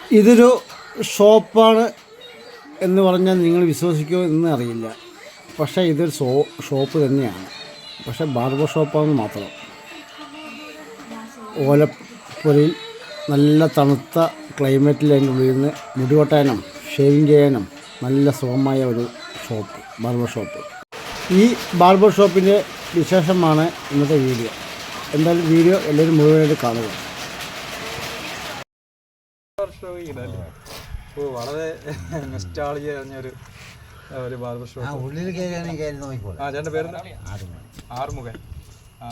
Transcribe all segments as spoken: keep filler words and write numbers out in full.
ഇതൊരു ഷോപ്പാണ് എന്ന് പറഞ്ഞാൽ നിങ്ങൾ വിശ്വസിക്കുമോ എന്ന് അറിയില്ല. പക്ഷേ ഇതൊരു ഷോ ഷോപ്പ് തന്നെയാണ്. പക്ഷേ ബാർബർ ഷോപ്പാണെന്ന് മാത്രം. ഓലപ്പുരയിൽ നല്ല തണുത്ത ക്ലൈമറ്റിൽ അതിൻ്റെ ഉള്ളിൽ നിന്ന് മുടി വെട്ടാനും ഷേവിങ് ചെയ്യാനും നല്ല സുഖമായ ഒരു ഷോപ്പ്, ബാർബർ ഷോപ്പ്. ഈ ബാർബർ ഷോപ്പിൻ്റെ വിശേഷമാണ് ഇന്നത്തെ വീഡിയോ. എന്തായാലും വീഡിയോ എല്ലാവരും മുഴുവനായിട്ട് കാണുക. വളരെ നൊസ്റ്റാൾജിയ പറഞ്ഞൊരു ഒരു ബാർബർ ഷോപ്പ്. ഉള്ളിൽ കയറിയാണെങ്കിൽ നോക്കിക്കോളൂ. ആ ചേട്ടൻ്റെ പേര് ആറുമുഖൻ. ആ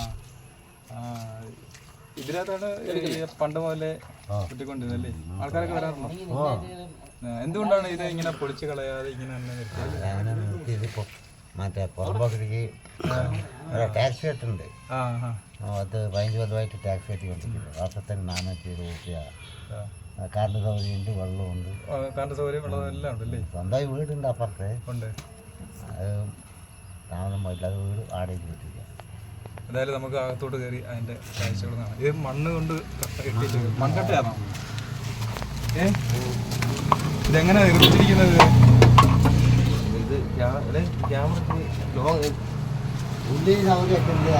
ഇതിനകത്താണ് പണ്ട് മുതലേ കിട്ടിക്കൊണ്ടിരുന്നല്ലേ? ആൾക്കാരൊക്കെ വരാറുണ്ടോ? എന്തുകൊണ്ടാണ് ഇത് ഇങ്ങനെ പൊളിച്ച് കളയാതെ ഇങ്ങനെ നിർത്തിയതിപ്പോൾ മറ്റേ പുറമ്പോക്കിലേക്ക് ടാക്സ് കെട്ടുണ്ട്. അത് പതിനഞ്ച് കൊല്ലമായിട്ട് ടാക്സ് കെട്ടി കൊണ്ടിരിക്കുന്നത്. വർഷത്തിന് നാനൂറ്റി ഇരുപത് രൂപ. കറണ്ട് സൗകര്യമുണ്ട്, വെള്ളമുണ്ട്. കറണ്ട് സൗകര്യം വെള്ളം എല്ലാം ഉണ്ടല്ലേ? സ്വന്തമായി വീടുണ്ട് അപ്പുറത്തെ. ഉണ്ട്. അത് താമസം പോയില്ല. അത് വീട് ആടേക്ക് കിട്ടില്ല. എന്തായാലും നമുക്ക് അകത്തോട്ട് കയറി അതിൻ്റെ കാഴ്ചകൾ കാണാം. ഇത് മണ്ണ് കൊണ്ട് കെട്ടിയിട്ട് മൺകട്ടയാണോ? ഏ ഇതെങ്ങനെയാണ് നിർമ്മിച്ചിരിക്കുന്നത്? ഇത് ക്യാമറയ്ക്ക് ഉള്ളിൽ സൗകര്യമൊക്കെ ഉണ്ട്.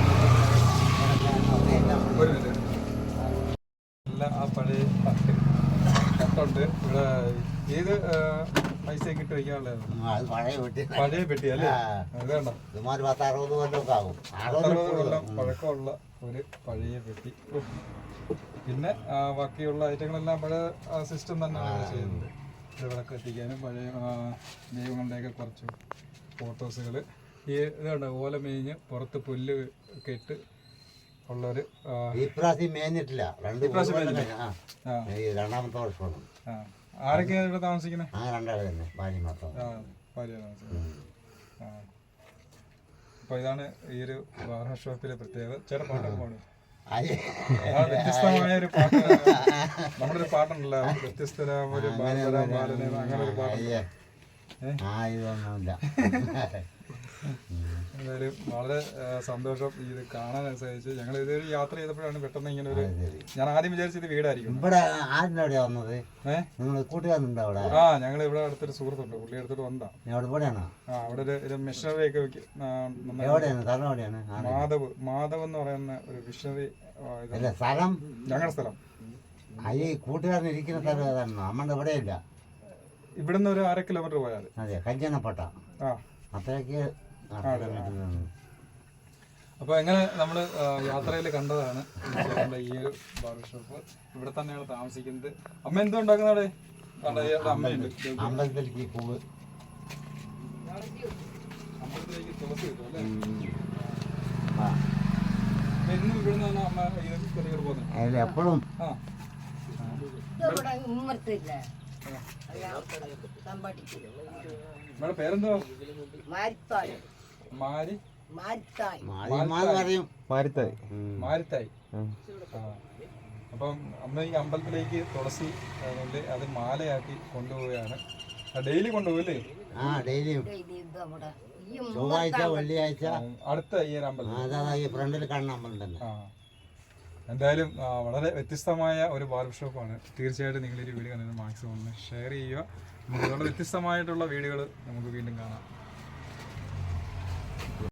ഒരു മിനിറ്റ്. എല്ലാം ആ പഴയ കട്ടുണ്ട്. ഇവിടെ ഏത് പൈസയൊക്കെ ഇട്ട് വയ്ക്കാനുള്ളതാണ്? പഴയ പെട്ടി. പഴയ പെട്ടി അല്ലേ? അതുകൊണ്ടോ ഇതുമാതിരി പത്ത് അറുപത് കൊല്ലമൊക്കെ ആകും. അറുപത് കൊല്ലം പഴക്കമുള്ള ഒരു പഴയ പെട്ടി. പിന്നെ ബാക്കിയുള്ള ഐറ്റങ്ങളെല്ലാം പഴയ സിസ്റ്റം തന്നെയാണ് ചെയ്യുന്നത്. ഇത് വിളക്ക് എത്തിക്കാനും പഴയ ദൈവങ്ങളുടെയൊക്കെ കുറച്ച് ഫോട്ടോസുകൾ. ഈ ഇതുണ്ട് ഓല മേഞ്ഞ് പുറത്ത് പുല്ല് ഒക്കെ ഇട്ട് ഉള്ളൊരു. ഇപ്രാവശ്യം മേഞ്ഞിട്ടില്ല. രണ്ട് രണ്ടാമത്തെ വർഷമാണ്. ആരൊക്കെയാണ് ഇവിടെ താമസിക്കുന്നത്? ആ രണ്ടാളെ തന്നെ ഭാര്യ മാത്രം. ഭാര്യ താമസിക്കുന്നത്. ആ അപ്പോൾ ഇതാണ് ഈ ഒരു ബാർബർ ഷോപ്പിലെ പ്രത്യേകത. ചേട്ടാ പാട്ടൊക്കെ പാടും. വ്യത്യസ്തമായ ഒരു പാട്ട്. നമ്മുടെ ഒരു പാട്ടുണ്ടല്ലോ, വ്യത്യസ്തരാം ഒരു ബാലരാം ബാലനെ, അങ്ങനെ ഒരു പാട്ടുണ്ട്. എന്തായാലും വളരെ സന്തോഷം ഇത് കാണാൻ സാധിച്ചു. ഞങ്ങൾ ഇതൊരു യാത്ര ചെയ്തപ്പോഴാണ് പെട്ടെന്ന് ഇങ്ങനെ ഒരു, ഞാൻ ആദ്യം വിചാരിച്ചത് വീടായിരിക്കും. ആ ഞങ്ങൾ ഇവിടെ അടുത്തൊരു സുഹൃത്തുണ്ട്, പുള്ളി അടുത്തോട്ട് വന്നതാണ്. ആ അവിടെ ഒരു മിഷണറി ഒക്കെ മാധവ് മാധവ് എന്ന് പറയുന്ന ഒരു മിഷണറി ഞങ്ങളുടെ സ്ഥലം. കൂട്ടുകാരൻ ഇരിക്കുന്ന സ്ഥലം നമ്മുടെ ഇവിടെ ഇല്ല. ഇവിടുന്ന് ഒരു അര കിലോമീറ്റർ പോയാൽ അതെ കല്യാണപ്പെട്ട ആ അത്രയ്ക്ക്. അപ്പോൾ എങ്ങനെ നമ്മൾ യാത്രയിൽ കണ്ടതാണ് ഈ ഒരു ബാർബർ ഷോപ്പ്. ഇവിടെ തന്നെയാണ് താമസിക്കുന്നത്. അമ്മ എന്തോ ഉണ്ടാക്കുന്നത്? അമ്മയുണ്ട്. അമ്പലത്തിലേക്ക് പൂവ്, അമ്പലത്തിലേക്ക് തുളസി കിട്ടും അല്ലേ? എന്നും ഇവിടെ നിന്നാണ് അമ്മ ഇത് പോകുന്നത് എപ്പോഴും. ആ ഇവിടെ പേരെന്തോ? മാരി മാരിത്തായി. മാരിത്തായി. അപ്പം അമ്മ ഈ അമ്പലത്തിലേക്ക് തുളസി കൊണ്ട് അത് മാലയാക്കി കൊണ്ടുപോവുകയാണ്. ഡെയിലി കൊണ്ടുപോകല്ലേ? ചൊവ്വാഴ്ച വെള്ളിയാഴ്ച അടുത്ത ഈ ഒരു അമ്പലം ഫ്രണ്ടിൽ കാണുന്ന അമ്പലം തന്നെ. എന്തായാലും വളരെ വ്യത്യസ്തമായ ഒരു ബാർബർ ഷോപ്പാണ്. തീർച്ചയായിട്ടും നിങ്ങൾ ഈ വീഡിയോ കണ്ടത് മാക്സിമം ഒന്ന് ഷെയർ ചെയ്യുക. നമുക്ക് വളരെ വ്യത്യസ്തമായിട്ടുള്ള വീഡിയോകൾ നമുക്ക് വീണ്ടും കാണാം.